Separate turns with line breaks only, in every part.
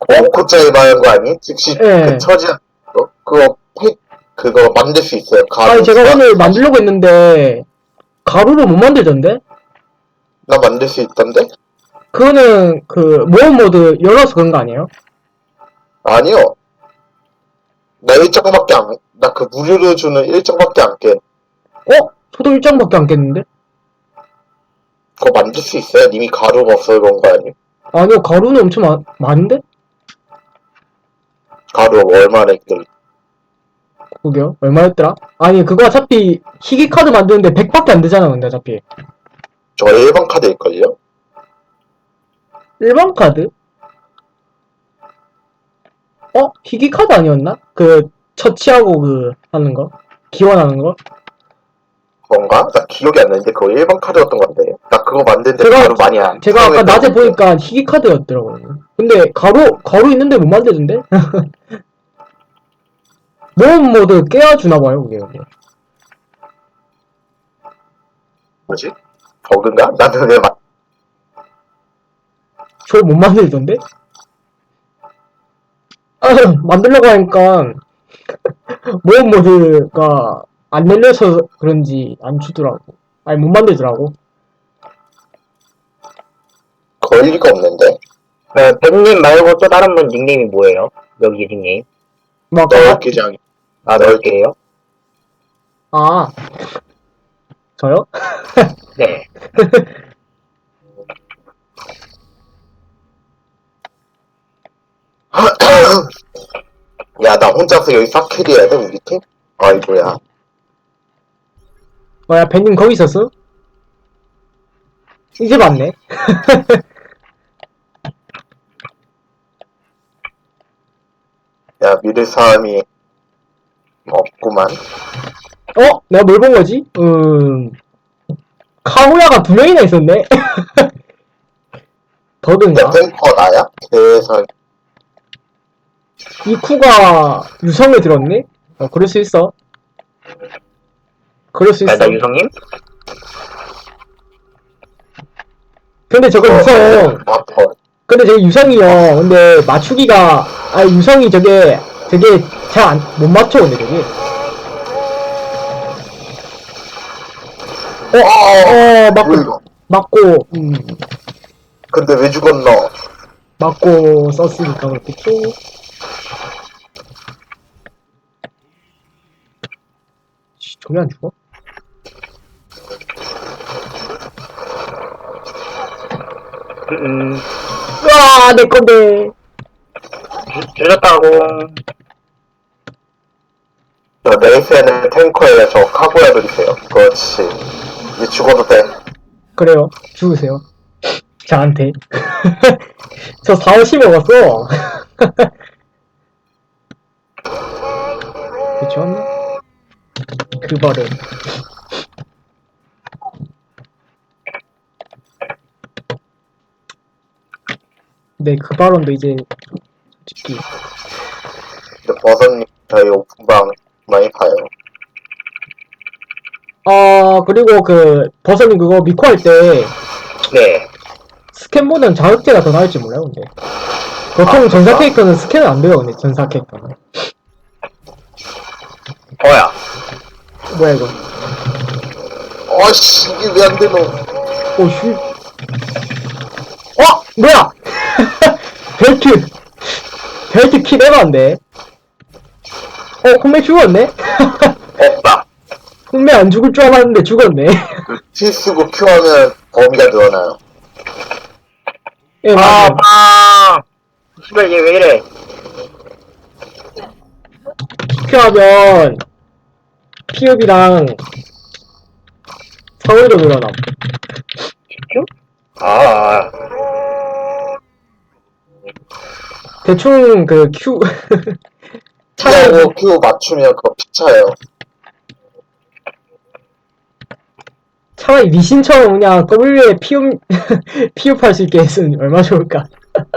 5코짜리 말하는 거 아니? 즉시 그
예.
처지한 거? 그거 만들 수 있어요.
아니,
가루.
제가 오늘 만들려고 했는데, 가루로 못 만들던데?
나 만들 수 있던데?
그거는, 모험 모드 열어서 그런 거 아니에요?
아니요. 나 일정밖에 안, 나 그 무료로 주는 일정밖에 안 깨.
저도 1장밖에 안 깼는데?
그거 만들 수 있어요? 님이 가루가 없어서 그런 거 아니?
아니요, 가루는 엄청 많은데?
가루 얼마나 했길래.
그게요? 얼마였더라? 아니, 그거 어차피, 희귀카드 만드는데 100밖에 안 되잖아, 근데 어차피.
저 일반 카드일걸요?
일반 카드? 희귀카드 아니었나? 처치하고 하는 거? 기원하는 거?
그건가? 나 기억이 안 나는데 그거 일반 카드였던 건데. 나 그거 만드는데
제가-
가루 많이 안
제가 아까 낮에
사용했던 건데.
보니까 희귀카드였더라고요. 근데 가루 있는데 못 만드던데? 모험 모드 깨워주나봐요, 그게.
뭐지? 버그인가? 나는 왜
저 못 만들던데? 만들려고 하니까, 모험 모드가 안 열려서 그런지 안 주더라고. 아니, 못 만들더라고.
그럴 리가 없는데.
백님 말고 또 다른 분 닉네임이 뭐예요? 여기 닉네임.
막,
넓기장.
넓게요?
저요?
네.
야, 나 혼자서 여기 싹캐리 해야 돼, 우리 팀? 아이고야.
뭐야, 벤님 거기 있었어? 이제 봤네.
야, 믿을 사람이 없구만.
내가 뭘 본 거지? 카구야가 2명이나 있었네?
야,
더든가?
탱커 나야? 세상.
이쿠가 유성에 들었네? 그럴 수 있어. 그럴 수 있어.
나 유성님?
근데 저거 유성,
아파.
근데 저게 유성이요. 근데 맞추기가, 유성이 저게 잘 못 맞춰, 근데 저게.
뭐 이거?
맞고,
근데 왜 죽었노?
맞고 썼으니까 그렇겠죠. 저게 안 죽어? 으아, 내 건데.
줄였다고.
저 레이스에는 탱커에 저 카구야 드리세요. 그렇지. 이제 죽어도 돼.
그래요. 죽으세요. 저한테. 저 4호시 먹었어. 그쵸? 그 버릇. 네, 그 발언도 이제, 솔직히.
근데 버섯님 저희 오픈방 많이 봐요.
그리고 버섯님 그거 미코 할 때,
네.
스캔보다는 자극제가 더 나을지 몰라요, 근데. 보통 전사 캐릭터는 스캔은 안 돼요, 근데, 전사 캐릭터는.
뭐야?
뭐야, 이거.
어씨, 이게 왜 안 되노?
슈. 뭐야! 벨트 키 내봤는데. 홈메 죽었네?
없다.
홈메 안 죽을 줄 알았는데 죽었네.
T 쓰고 Q하면 범위가 늘어나요.
예, 맞아요.
씨발, 얘 왜 이래?
피하면, 피읍이랑, 상위로 늘어남.
아,
대충, Q, 차라리,
Q하고 Q 맞추면 그거 피차예요.
차라리 리신처럼 그냥 W에 피읍할 수 있게 했으면 얼마나 좋을까.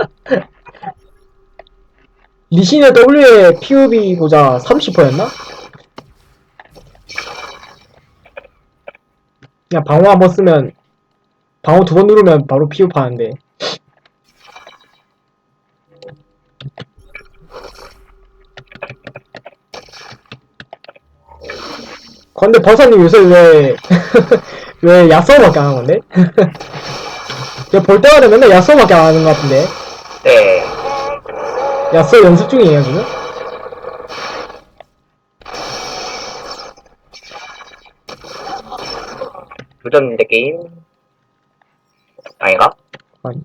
리신의 W에 피읍이 보자, 30%였나? 그냥 방어 한번 쓰면, 방어 2번 누르면 바로 피읍하는데. 근데 버섯님 요새 왜, 왜 야쏘밖에 안 하는 건데? 제가 볼 때마다 맨날 야쏘밖에 안 하는 것 같은데.
네.
야쏘 연습 중이에요, 지금?
조졌는데 게임? 아닌가?
아니.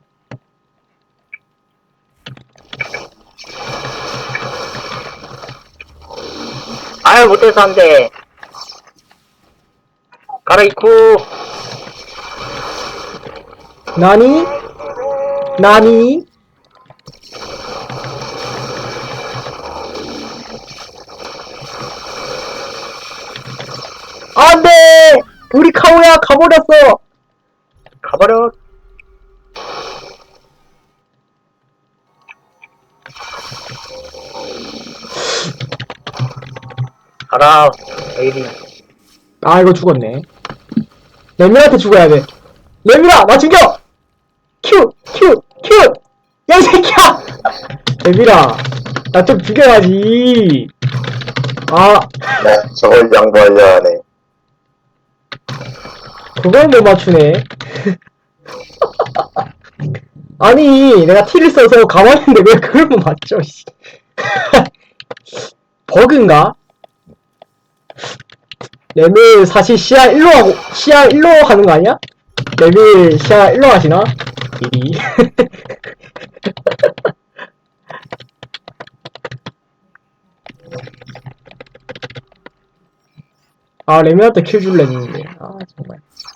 아유, 못해서 안 돼. 가라이쿠.
나니? 나니? 안 돼! 우리 카오야, 가버렸어!
가버려. 가라, 에이리.
아, 이거 죽었네. 레미한테 죽어야 돼. 레미라, 나 죽여! 큐! 큐! 큐! 야, 이 새끼야! 레미라, 나 좀 죽여야지. 아,
네, 저걸 양보하려 하네.
그걸 못 맞추네. 아니, 내가 T를 써서 가만히 있는데 왜 그걸 못 맞춰, 씨. 버그인가? 레밀 사실 시야 1로 하고, 시야 1로 하는 거 아니야? 레밀 시야 1로 하시나? 미리. 아, 레밀한테 킬 줄래 했는데. 아, 정말.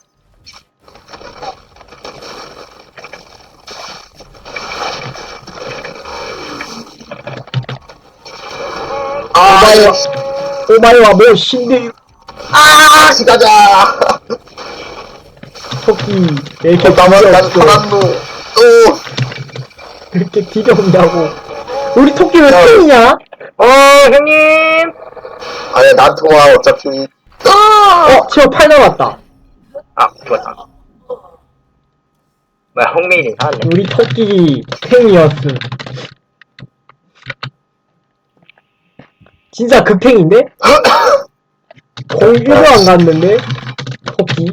아,
오마이와 뭐, 신데,
아, 가자!
토끼, 왜 이렇게
나만, 난
뒤져없어.
사람도, 또,
이렇게 뒤져온다고. 우리 토끼 왜
야.
팬이냐?
형님!
아니, 난 통화 어차피,
지금 8 남았다.
아, 죽었다. 뭐야, 홍메일이 사왔네.
우리 토끼 팽이었음. 진짜 그 팽인데? 공 1도 안 갔는데? 토끼?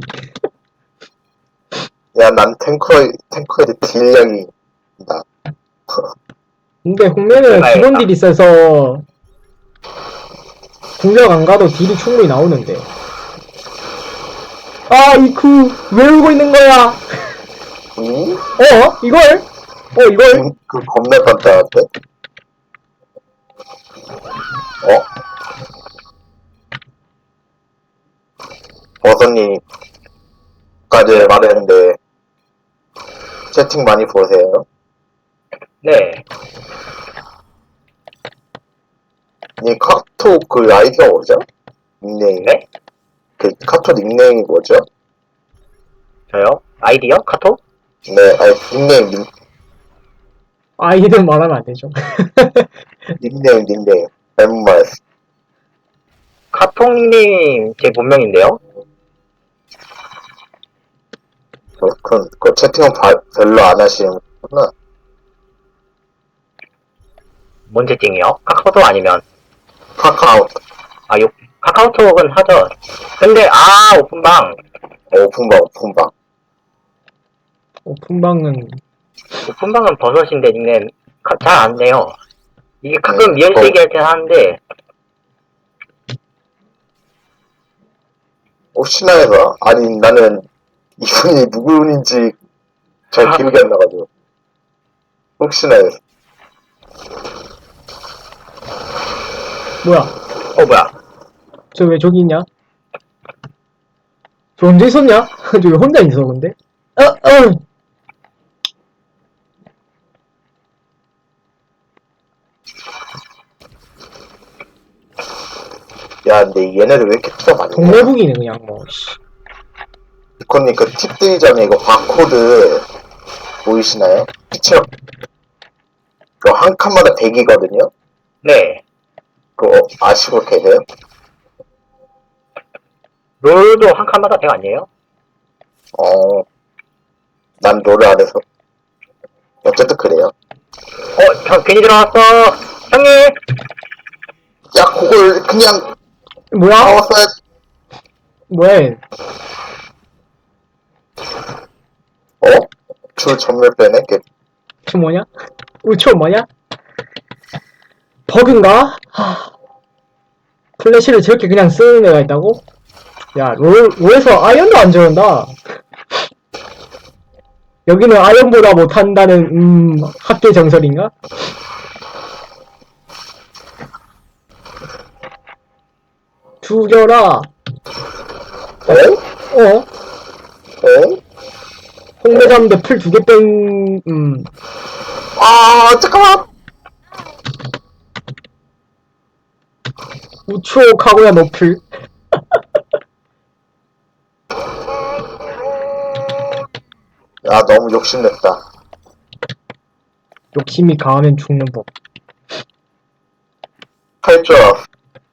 야, 난 탱커의 딜량이, 나.
근데 홍매는
내가
기본
했다.
딜이 있어서 공격 안 가도 딜이 충분히 나오는데. 아, 이쿠, 왜 울고 있는 거야?
응?
이걸? 이걸?
그 겁나 간단한데? 버섯님까지 말했는데, 채팅 많이 보세요.
네.
니 카톡 그 아이디가 뭐죠? 닉네임?
네?
그 카톡 닉네임이 뭐죠?
저요? 아이디요? 카톡?
네, 아니,
아이는 말하면 안 되죠.
닉네임. 잘못 말했어.
카톡님 제 본명인데요?
그 채팅은 별로 안 하시는구나.
뭔 채팅이요? 카카오톡 아니면?
카카오,
카카오톡은 하죠. 근데, 오픈방.
오픈방.
오픈방은
오픈방은 버섯인데 닉네임 잘 안 돼요. 이게 가끔 리얼세기 할 때 하는데,
혹시나 해서, 아니, 나는 이분이 누구인지 잘 기억이 안 나가지고. 혹시나 해서.
뭐야?
뭐야.
저 왜 저기 있냐? 저 언제 있었냐? 저 왜 혼자 있어 근데?
야, 근데 얘네들 왜 이렇게 투가 많냐?
동네북이네 그냥 뭐. 씨.
이코님 그 팁 뜨기 전에 이거 바코드 보이시나요? 그쵸? 그거 한 칸마다 100이거든요?
네.
그거 아시고 계세요?
롤도 한 칸마다 100 아니에요?
난 롤을 안 해서. 어쨌든 그래요.
괜히 들어왔어. 형님!
야, 그걸 그냥
뭐야?
나왔어야.
뭐해?
줄 전멸 빼네.
저 뭐냐? 우초 뭐냐? 버그인가? 플래시를 저렇게 그냥 쓰는 애가 있다고? 야, 롤에서 아이언도 안 저런다. 여기는 아이언보다 못한다는, 학계 정설인가? 죽여라. 어? 홍대 잡는데 풀 2개 뺑,
잠깐만.
우초 카고야 노플.
야, 너무 욕심냈다.
욕심이 강하면 죽는 법.
할 줄 알았어.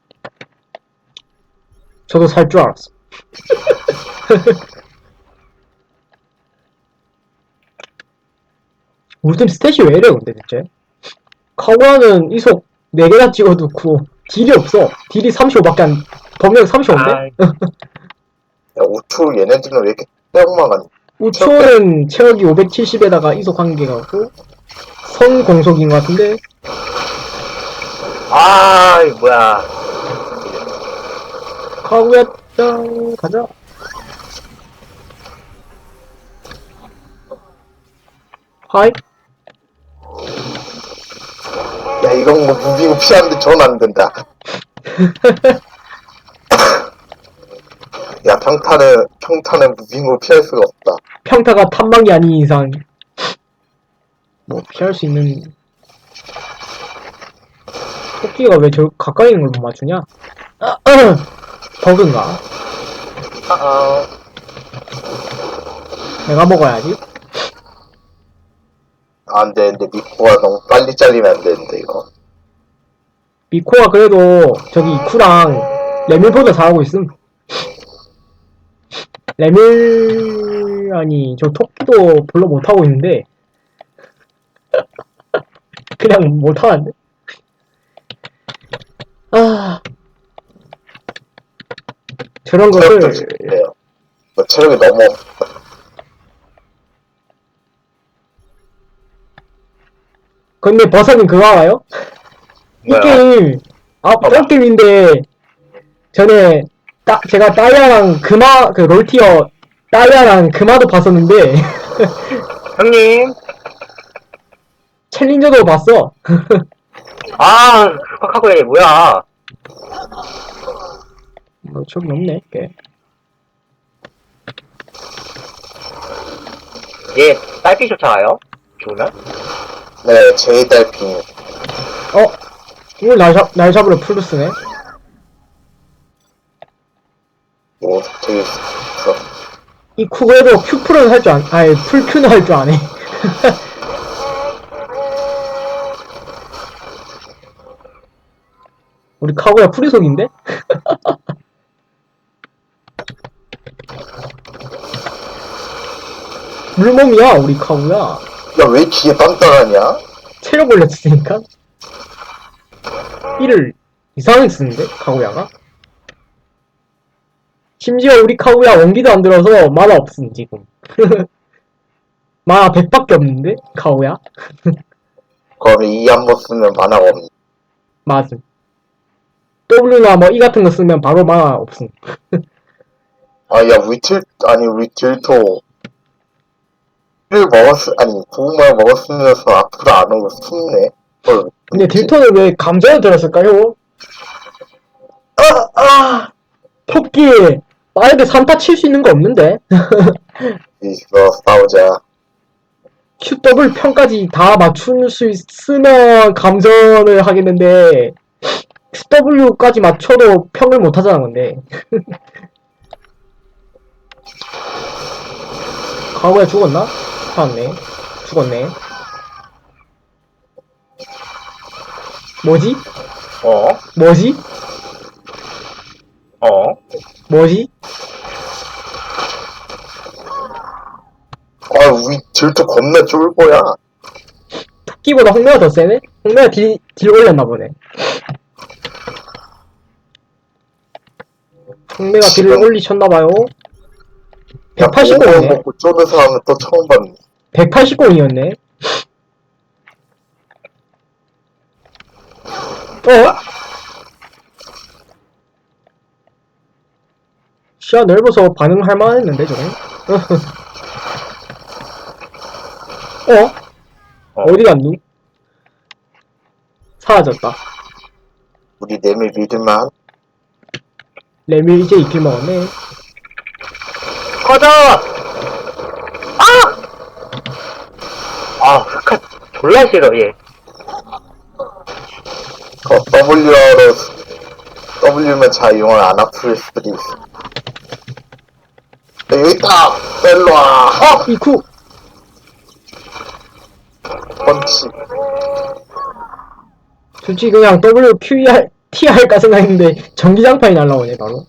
저도 살 줄 알았어. 우리 팀 스탯이 왜 이래 근데 대체? 카고야는 이속 4개나 찍어놓고 딜이 없어. 딜이 35밖에 안, 범위가 35인데?
아,
야, 우투 얘네들은 왜 이렇게 빼고만 가니?
우초는 체력이 570에다가 이속 1개가고 선 공속인 것 같은데
이거 뭐야.
카고야 짱 가자. 하이.
야, 이건 뭐 무빙 피하는데 전 안 된다. 야, 평타는 무빙으로 피할 수가 없다.
평타가 탐방이 아닌 이상 뭐 피할 수 있는. 토끼가 왜 저 가까이 있는 걸 못 맞추냐? 버그인가? 내가 먹어야지.
안 되는데, 미코가 너무 빨리 잘리면 안 되는데, 이거.
미코가 그래도 저기 이쿠랑 레밀보다 잘하고 있음. 레밀 아니 저 토끼도 별로 못하고 있는데 그냥 못하는데. 저런
체력도
것을
지금이에요. 뭐 체력이 너무 없다.
근데 버섯님 그거 알아요? 이
뭐야?
게임 똥게임인데 전에 제가 따이아랑 그 롤티어 따이아랑 금화도 봤었는데
형님!
챌린저도 봤어.
흑학하고 얘 뭐야.
뭐 저기 없네 꽤.
얘 딸피 쫓아가요? 죽으면?
네, 제이달핑.
오늘 날 잡으러 플루스네.
뭐, 되게, 있어.
이 쿠그에도 Q풀은 할 줄 아니 풀큐는 할 줄 아네. 우리 카구야 프리속인데? 물몸이야 우리 카구야.
야, 왜 기에 단단하냐?
체력 올렸으니까. 이를 이상하게 쓰는데 카구야가? 심지어 우리 카구야 원기도 안 들어서 만화 없음 지금. 만화 100밖에 없는데 카구야?
그러면 이 한 번 쓰면 만화가 없네.
맞음. W나 뭐 E 같은 거 쓰면 바로 만화 없음.
야, 우리 딜토. 고구마를 먹었으면서 앞으로 안 오고 숨네.
근데 딜턴을 왜 감전을 들었을까요? 토끼! 만약에 3타 칠 수 있는 거 없는데?
있어, 싸우자.
QW 평까지 다 맞출 수 있으면 감전을 하겠는데 QW까지 맞춰도 평을 못 하잖아 근데. 과거에 죽었나? 살았네. 죽었네. 뭐지? 뭐지? 뭐지?
우리 딜토 겁나 쫄보야.
토끼보다 홍매가 더 세네? 홍매가 딜 올렸나 보네. 홍매가 딜을
지금-
올리셨나봐요.
야, 그거
180공이네.
먹고 쪼는 사람은 또 처음 봤네.
180공이었네. 시야 넓어서 반응할 만했는데, 저건? 어디 갔누? 사라졌다.
우리 내밀 믿을만.
레밀 이제 이킬 먹었네.
꺼져! 흑화 졸라 싫어, 얘.
W면 자이용을 안 아플 수도 있어. 야, 여기 있다! 일로와!
이쿠!
펀치.
솔직히 그냥 W, Q, R, T 할까 생각했는데, 전기장판이 날라오네, 바로.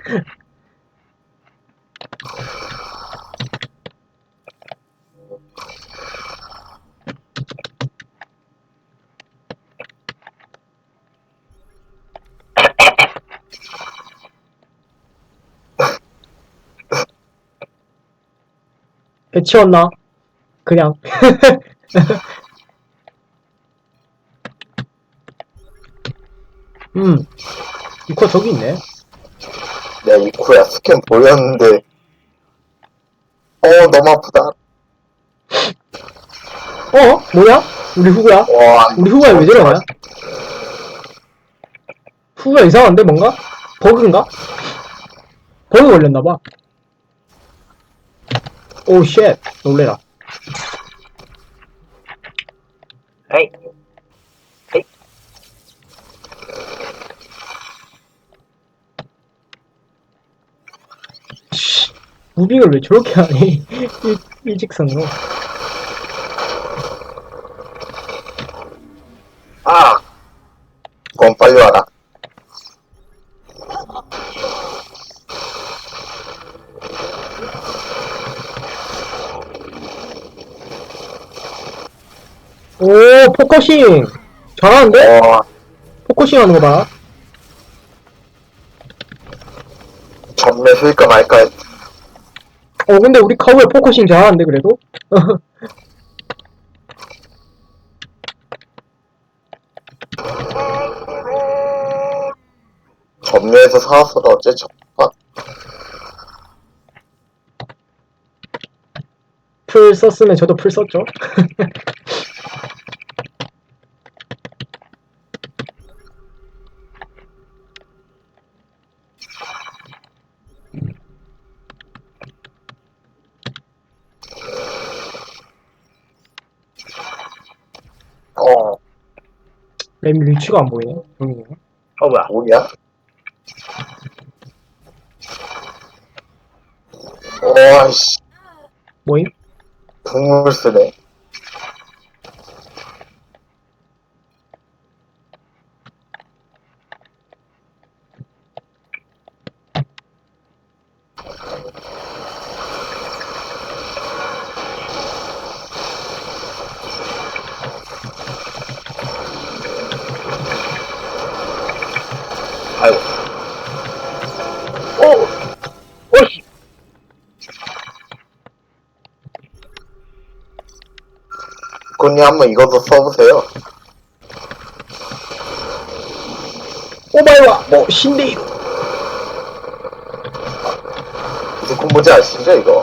배치웠나? 그냥. 이코 저기 있네.
야, 이코야, 스캔 보였는데. 너무 아프다.
뭐야? 우리 후구야?
와,
우리 후구야 왜 저러냐? 후구가 이상한데, 뭔가? 버그인가? 버그 걸렸나봐. 오, 쉣. 놀래라.
에이. 에이.
씨, 무빙을 왜 저렇게 하니? 일직선으로.
그건 빨리 와라.
오, 포커싱! 잘하는데? 포커싱 하는 거 봐.
전매 쓸까 말까 했
근데 우리 카우에 포커싱 잘하는데, 그래도?
전매에서 사왔어도 어째
풀 썼으면 저도 풀 썼죠. 램 위치가 안 보이네. 여기네.
뭐야.
뭐냐? 아이씨,
뭐임?
국물 쓰네.
아이고. 오씨.
군이 한번 이것도 써보세요.
오마이와, 신데이로.
무슨 콤보인지 아시죠, 이거?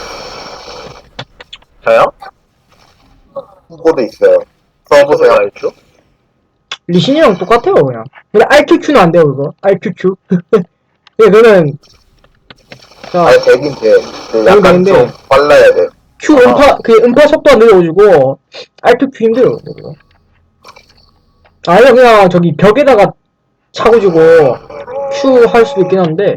저요?
콤보도 있어요. 써보세요.
알죠?
리신이랑 똑같아요, 그냥. 근데 RQQ는 안 돼요, 그거. RQQ. 예, 그거는, 자,
아니, 되긴 돼. 근데 약간
되는데.
좀 빨라야 돼.
Q 음파 속도가 느려가지고, RQQ 힘들어요, 그거. 아니면 그냥 저기 벽에다가 차고 주고, Q 할 수도 있긴 한데.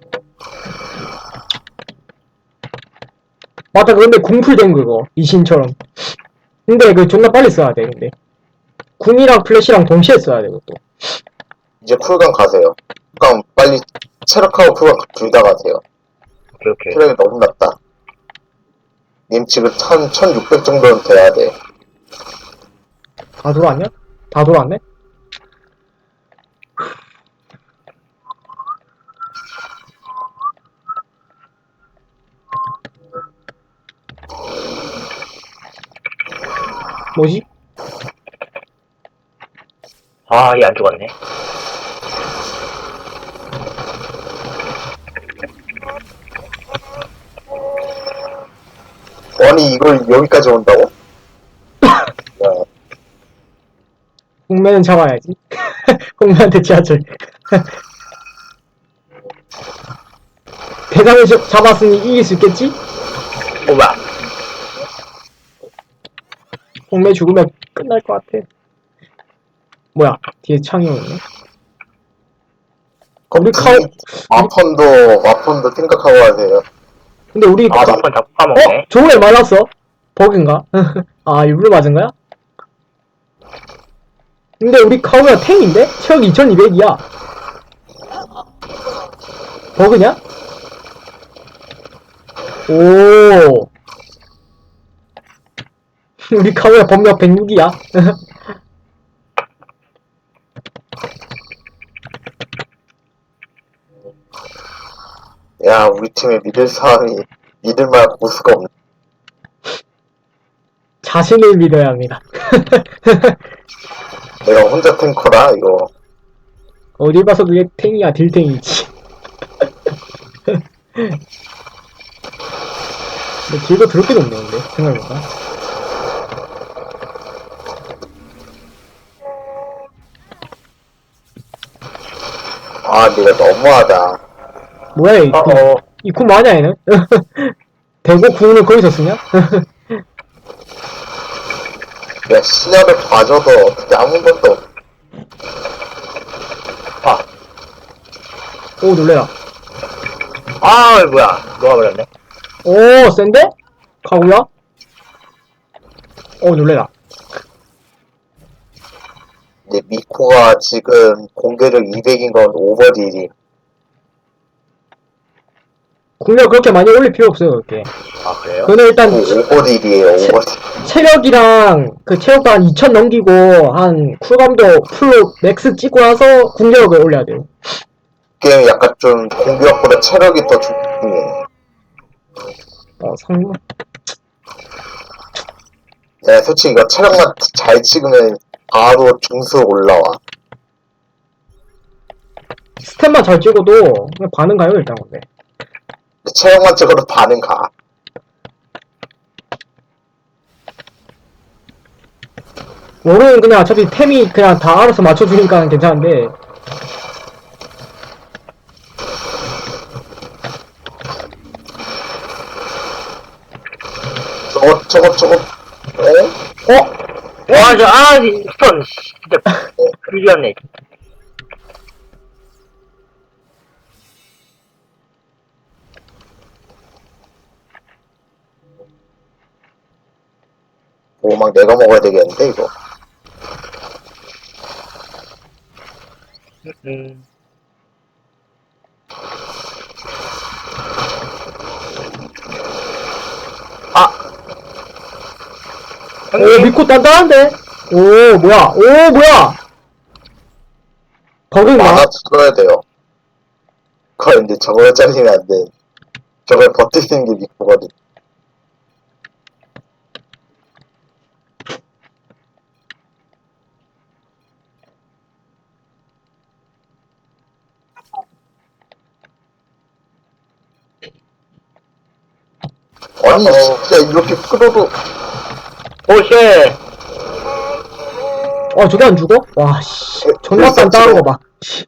맞다, 근데 궁풀된 그거. 이신처럼. 근데 그 존나 빨리 써야 돼, 근데. 궁이랑 플래시랑 동시에 써야 돼, 그것도.
이제 쿨감 가세요. 쿨감 빨리 체력하고 쿨감 둘 다 가세요.
오케이.
체력이 너무 낮다. 님 지금 1600 정도는 돼야 돼.
다 돌아왔냐? 다 돌아왔네? 뭐지?
아, 얘 안 죽었네.
아니, 이걸 여기까지 온다고? 야,
홍매는 잡아야지. 홍매한테 지하철. 대상을 잡았으니 이길 수 있겠지?
오마.
홍매 죽으면 끝날 것 같아. 뭐야, 뒤에 창이 오네. 우리 카우,
마폰도 생각하고 하세요.
근데 우리,
아, 나-
한번 다 파먹네.
저번에 맞았어? 버그인가? 아, 일부러 맞은 거야? 근데 우리 카우가 탱인데? 체력 2200이야. 버그냐? 오. 우리 카우야 범력 106이야.
야, 우리 팀에 믿을 만한 고수가 없네.
자신을 믿어야 합니다.
내가 혼자 탱커라, 이거.
어딜 봐서 그게 탱이야, 딜탱이지. 근데 딜도 더럽게 높네, 근데, 생각해보니까.
아, 내가 너무하다.
뭐야, 이 군.
어어.
이 군 뭐하냐, 얘는? 대고 군을 거기서 쓰냐?
야, 신화를 봐줘도 어떻게 아무 것도 없.
아.
오, 놀래라.
아, 뭐야. 녹아버렸네.
오, 센데? 가구야? 오, 놀래라.
근데 미코가 지금 공격력 200인 건 오버딜이.
공격 그렇게 많이 올릴 필요 없어요, 그렇게.
아, 그래요?
그는 일단
오버딜이에요, 오버딜.
체력이랑 그 체력도 한 2000 넘기고 한 쿨감도 풀로 맥스 찍고 나서 공격력을 올려야 돼요.
게임 약간 좀 공격보다 체력이 더 중요해.
상무.
야, 솔직히 이거 체력만 잘 찍으면 바로 중수 올라와.
스탯만 잘 찍어도 그냥 반응 가요, 일단 근데.
체력만 찍어도 반은 가.
롤은 그냥 어차피 템이 그냥 다 알아서 맞춰주니까 괜찮은데
저거, 에?
와, 스톤, 진짜, 그리였네.
오, 막 내가 먹어야 되겠는데, 이거.
음. 아!
오
형님,
미코 단단한데? 오 뭐야 버그인가?
만화 찍어야 돼요. 그거 근데 저걸 잘리면 안 돼. 저걸 버틸 수 있는 게 미코거든. 아니, 진짜 이렇게 끌어도,
오쉣!
저게 안 죽어? 와씨 존나 단단한 거봐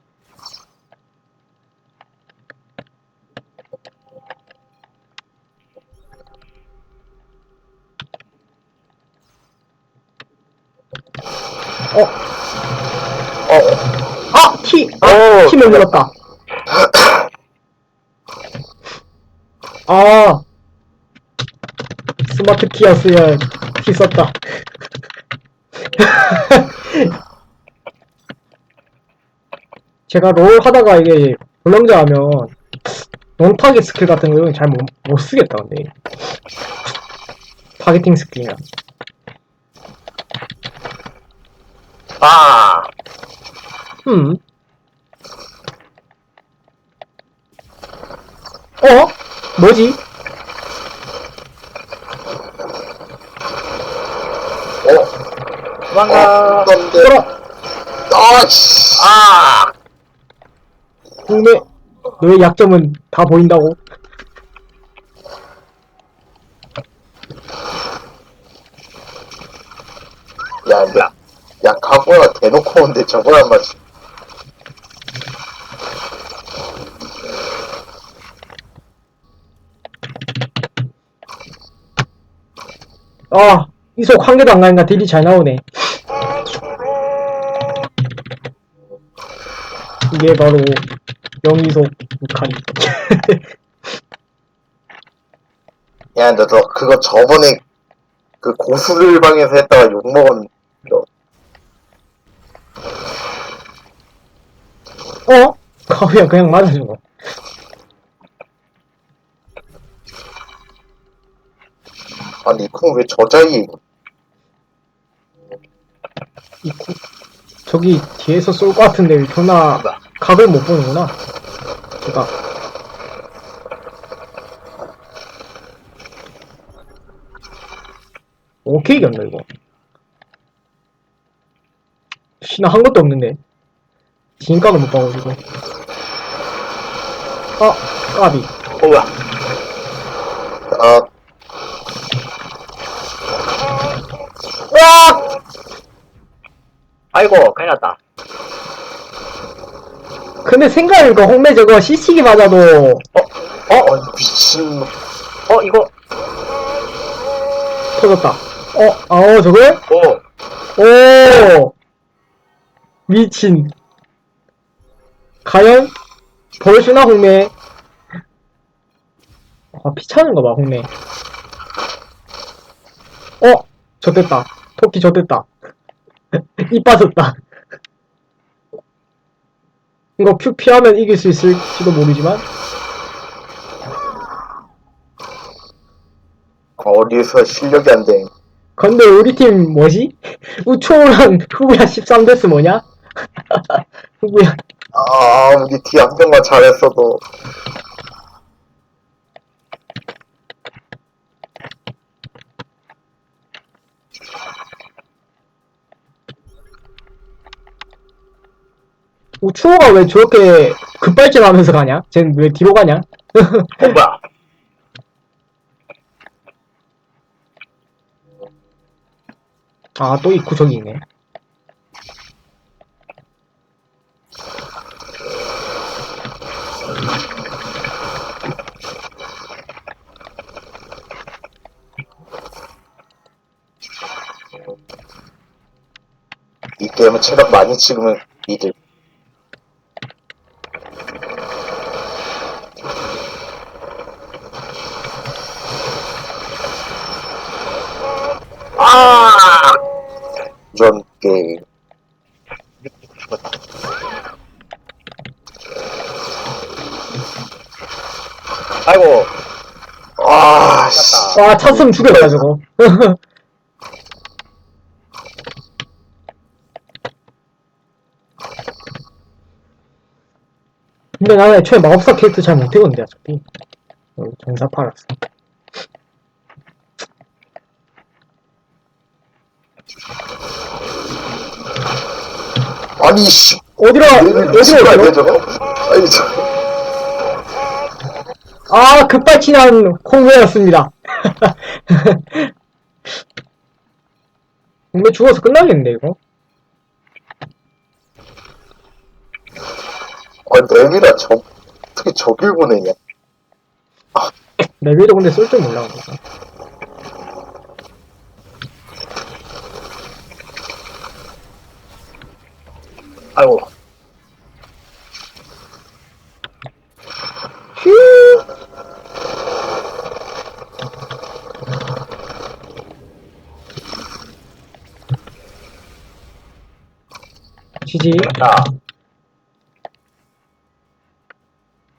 키 눌렀다 스마트 키였으면 키 썼다 제가 롤 하다가 이게 불량자 하면 논타겟 스킬 같은 거는 잘 못 쓰겠다 근데 타겟팅 스킬이나
아,
음. 어? 뭐지?
도망가.
그런데,
뭐라?
아씨.
아,
국내 너의 약점은 다 보인다고.
야,
뭐야?
야, 가고야 대놓고 오는데 저걸 안 맞지.
아, 이속 한 개도 안 가니까 딜이 잘 나오네. 이게 바로 영이속 무카리.
야, 너 그거 저번에 그 고수들 방에서 했다가 욕먹은 거.
어? 가위야 그냥 맞아준 거.
아니, 그럼 왜 저자리에
저기 뒤에서 쏠 것 같은데 왜 존나 각을 못 보는구나. 제가 오케이 이겼나 이거. 나 한 것도 없는데 진각을 못 봐가지고. 아 까비.
뭐야?
아,
와!
아이고, 큰일 났다.
근데 생각해보니까 홍매 저거 CC기 맞아도
아니, 미친.
이거,
터졌다. 저걸?
오,
오! 미친. 과연? 벌수나 홍매? 피차는 거 봐, 홍매. 젖됐다. 토끼 젖됐다. 입 빠졌다. 이거 큐 피하면 이길 수 있을지도 모르지만.
어디서 실력이 안 돼.
근데 우리 팀 뭐지? 우초랑 후구야 13데스 뭐냐? 후구야.
아, 우리 뒤 안경만 잘했어도.
우초가 왜 저렇게 급발진하면서 가냐? 쟤는 왜 뒤로 가냐?
뭐야?
또 있고 저기 있네.
이 게임은 체력 많이 찍으면 니들.
아,
이런 게임.
죽었다. 아이고,
아, 씨.
찼으면 죽였다 저거. 근데 나는 애초에 마법사 캐릭터 잘 못해본데 어차피. 정사파라서.
아니, 씨.
어디로
미친
어디로?
저거? 아니,
급발진한 홍매였습니다. 홍매 죽어서 끝나겠는데 이거?
내미라 어떻게 저길 보내냐?
레벨도 근데 쏠 줄 몰라. 그래서.
아이고.
휴. 지지.
자,